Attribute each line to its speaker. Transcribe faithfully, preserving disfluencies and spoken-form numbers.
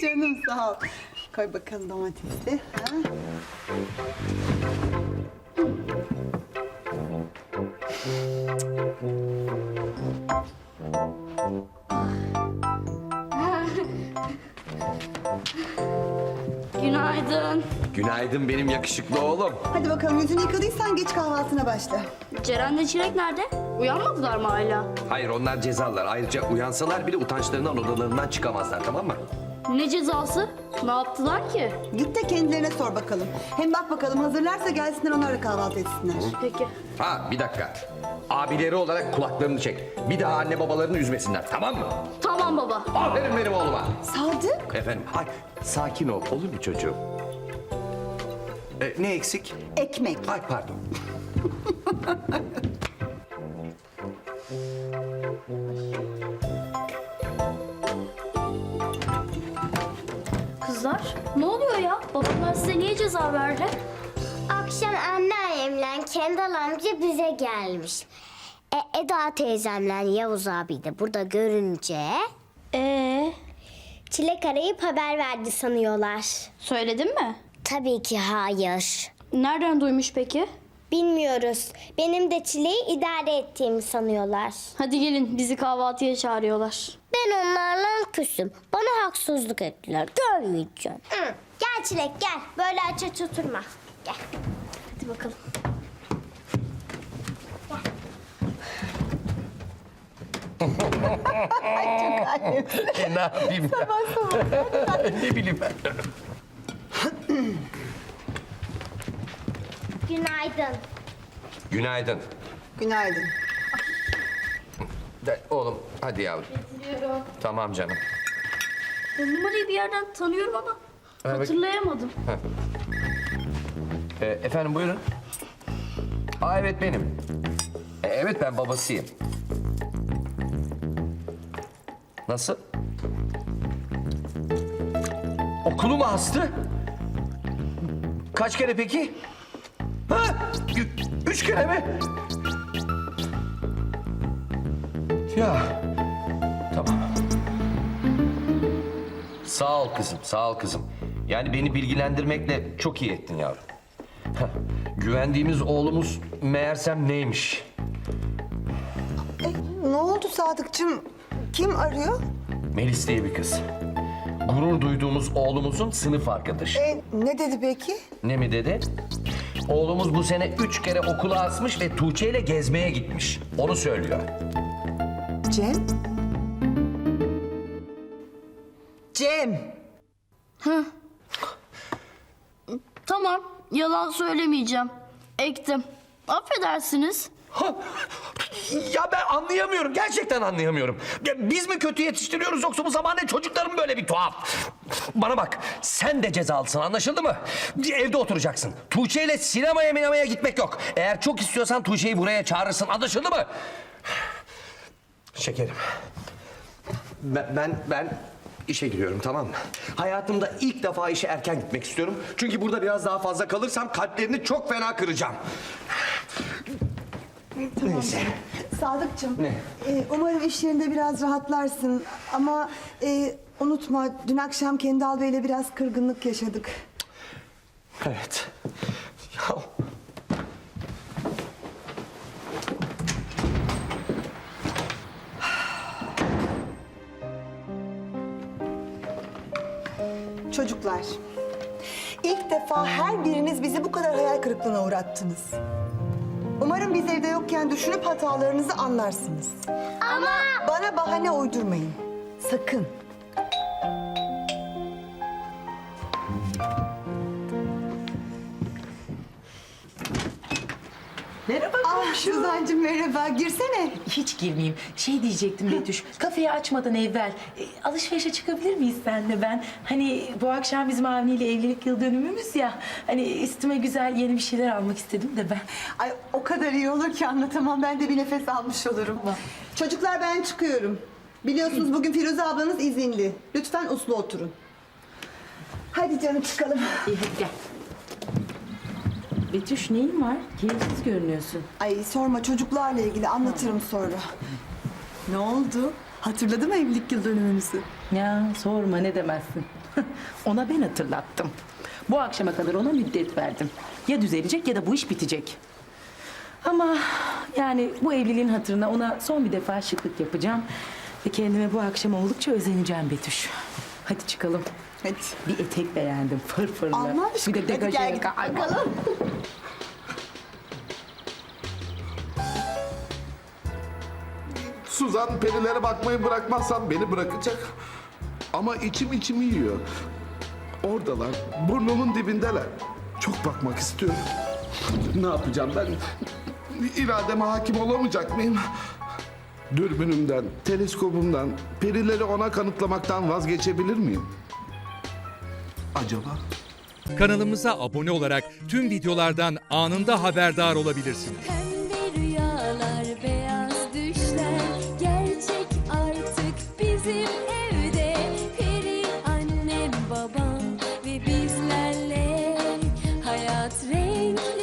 Speaker 1: canım sağ ol. Koy bakalım domatesi. Ha?
Speaker 2: Günaydın.
Speaker 3: Günaydın benim yakışıklı oğlum.
Speaker 1: Hadi bakalım yüzünü yıkadıysan geç kahvaltına başla.
Speaker 2: Ceren'le Çilek nerede? Uyanmadılar mı hala?
Speaker 3: Hayır onlar cezalar. Ayrıca uyansalar bile utançlarından odalarından çıkamazlar, tamam mı?
Speaker 2: Ne cezası? Ne yaptılar ki?
Speaker 1: Git de kendilerine sor bakalım. Hem bak bakalım hazırlarsa gelsinler onlarla kahvaltı etsinler.
Speaker 2: Peki.
Speaker 3: Ha bir dakika. Abileri olarak kulaklarını çek. Bir daha anne babalarını üzmesinler, tamam mı?
Speaker 2: Tamam baba.
Speaker 3: Aferin benim oğluma.
Speaker 1: Sadık.
Speaker 3: Efendim, hay, sakin ol, olur mu çocuğum? Ee, ne eksik?
Speaker 1: Ekmek.
Speaker 3: Ay pardon.
Speaker 2: Kızlar ne oluyor ya? Babamlar size niye ceza verdi?
Speaker 4: Akşam anneannemle Kendal amca bize gelmiş. E, Eda teyzemle Yavuz abi de burada görünce...
Speaker 2: Ee,
Speaker 4: Çilek arayıp haber verdi sanıyorlar.
Speaker 2: söyledin mi?
Speaker 4: Tabii ki hayır.
Speaker 2: Nereden duymuş peki?
Speaker 4: Bilmiyoruz. Benim de Çilek'i idare ettiğimi sanıyorlar.
Speaker 2: Hadi gelin bizi kahvaltıya çağırıyorlar.
Speaker 4: Ben onlarla küsüm. Bana haksızlık ettiler. Görmeyeceğim. Hı. Gel Çilek gel. Böyle aç aç oturma. Gel.
Speaker 2: Hadi bakalım.
Speaker 3: E, ne yapayım ya?
Speaker 1: Sabah sabah.
Speaker 3: Ne bileyim ben.
Speaker 4: Günaydın.
Speaker 3: Günaydın.
Speaker 1: Günaydın.
Speaker 3: De, oğlum hadi yavrum.
Speaker 2: Getiriyorum.
Speaker 3: Tamam canım.
Speaker 2: Bu numarayı bir yerden tanıyorum ama
Speaker 3: Evet.
Speaker 2: hatırlayamadım.
Speaker 3: Ee, efendim buyurun. Aa evet benim. Ee, evet ben babasıyım. Nasıl? Okulu mu astı? Kaç kere peki? Ha? Ü- üç kere mi? Ya. Tamam. Sağ ol kızım, sağ ol kızım. Yani beni bilgilendirmekle çok iyi ettin yavrum. Heh, güvendiğimiz oğlumuz meğersem neymiş?
Speaker 1: Ne oldu Sadıkçım? Kim arıyor?
Speaker 3: Melis diye bir kız. Gurur duyduğumuz oğlumuzun sınıf arkadaşı.
Speaker 1: E, ne dedi peki?
Speaker 3: Ne mi dedi? Oğlumuz bu sene üç kere okula asmış ve Tuğçe ile gezmeye gitmiş. Onu söylüyor.
Speaker 1: Cem? Cem!
Speaker 2: Tamam, yalan söylemeyeceğim. Ektim. Affedersiniz.
Speaker 3: Ha, ya ben anlayamıyorum. Gerçekten anlayamıyorum. Ya biz mi kötü yetiştiriyoruz yoksa bu zamanda çocukların böyle bir tuhaf? Bana bak, sen de cezalısın, anlaşıldı mı? Evde oturacaksın. Tuğçe ile sinemaya minemaya gitmek yok. Eğer çok istiyorsan Tuğçe'yi buraya çağırırsın, anlaşıldı mı? Şekerim. Ben, ben, ben işe giriyorum, tamam mı? Hayatımda ilk defa işe erken gitmek istiyorum. Çünkü burada biraz daha fazla kalırsam kalplerini çok fena kıracağım. Neyse.
Speaker 1: Sadıkçım.
Speaker 3: Ne?
Speaker 1: e, umarım iş yerinde biraz rahatlarsın. Ama e, unutma dün akşam Kendal Bey'le biraz kırgınlık yaşadık.
Speaker 3: Evet. Ya.
Speaker 1: Çocuklar, ilk defa her biriniz bizi bu kadar hayal kırıklığına uğrattınız. Umarım biz evde yokken düşünüp hatalarınızı anlarsınız.
Speaker 4: Ama...
Speaker 1: Bana bahane uydurmayın. Sakın.
Speaker 5: Merhaba
Speaker 1: Ah
Speaker 5: komşu.
Speaker 1: Suzan'cığım merhaba. Girsene.
Speaker 5: Hiç girmeyeyim. Şey diyecektim Betüş, kafeyi açmadan evvel e, alışverişe çıkabilir miyiz senle ben? Hani bu akşam bizim Avni ile evlilik yıl dönümümüz ya. Hani üstüme güzel yeni bir şeyler almak istedim de ben.
Speaker 1: Ay o kadar iyi olur ki anlatamam. Ben de bir nefes almış olurum. Çocuklar ben çıkıyorum. Biliyorsunuz bugün Firuze ablanız izinli. Lütfen uslu oturun. Hadi canım çıkalım.
Speaker 5: İyi hadi gel. Betüş neyin var? Keyifsiz görünüyorsun.
Speaker 1: Ay sorma çocuklarla ilgili anlatırım sonra. Ne oldu? Hatırladı mı evlilik yıl dönümümüzü?
Speaker 5: Ya sorma ne demezsin. Ona ben hatırlattım. Bu akşama kadar ona müddet verdim. Ya düzelecek ya da bu iş bitecek. Ama yani bu evliliğin hatırına ona son bir defa şıklık yapacağım. Ve kendime bu akşam oldukça özeneceğim Betüş. Hadi çıkalım.
Speaker 1: Hadi.
Speaker 5: Bir etek beğendim fırfırlı.
Speaker 1: Allah
Speaker 5: Bir
Speaker 1: aşkına.
Speaker 5: de
Speaker 1: Hadi
Speaker 5: degaje
Speaker 1: gel
Speaker 5: yaka. Ay,
Speaker 1: bakalım.
Speaker 6: Suzan perilere bakmayı bırakmazsam beni bırakacak. Ama içim içimi yiyor. Oradalar, burnumun dibindeler. Çok bakmak istiyorum. Ne yapacağım ben? İrademe hakim olamayacak mıyım? Dürbünümden, teleskopumdan, perileri ona kanıtlamaktan vazgeçebilir miyim? Acaba?
Speaker 7: Kanalımıza abone olarak tüm videolardan anında haberdar olabilirsiniz.
Speaker 8: Pembe rüyalar, beyaz düşler gerçek artık bizim evde. Peri annem, babam ve bizlerle hayat renkli.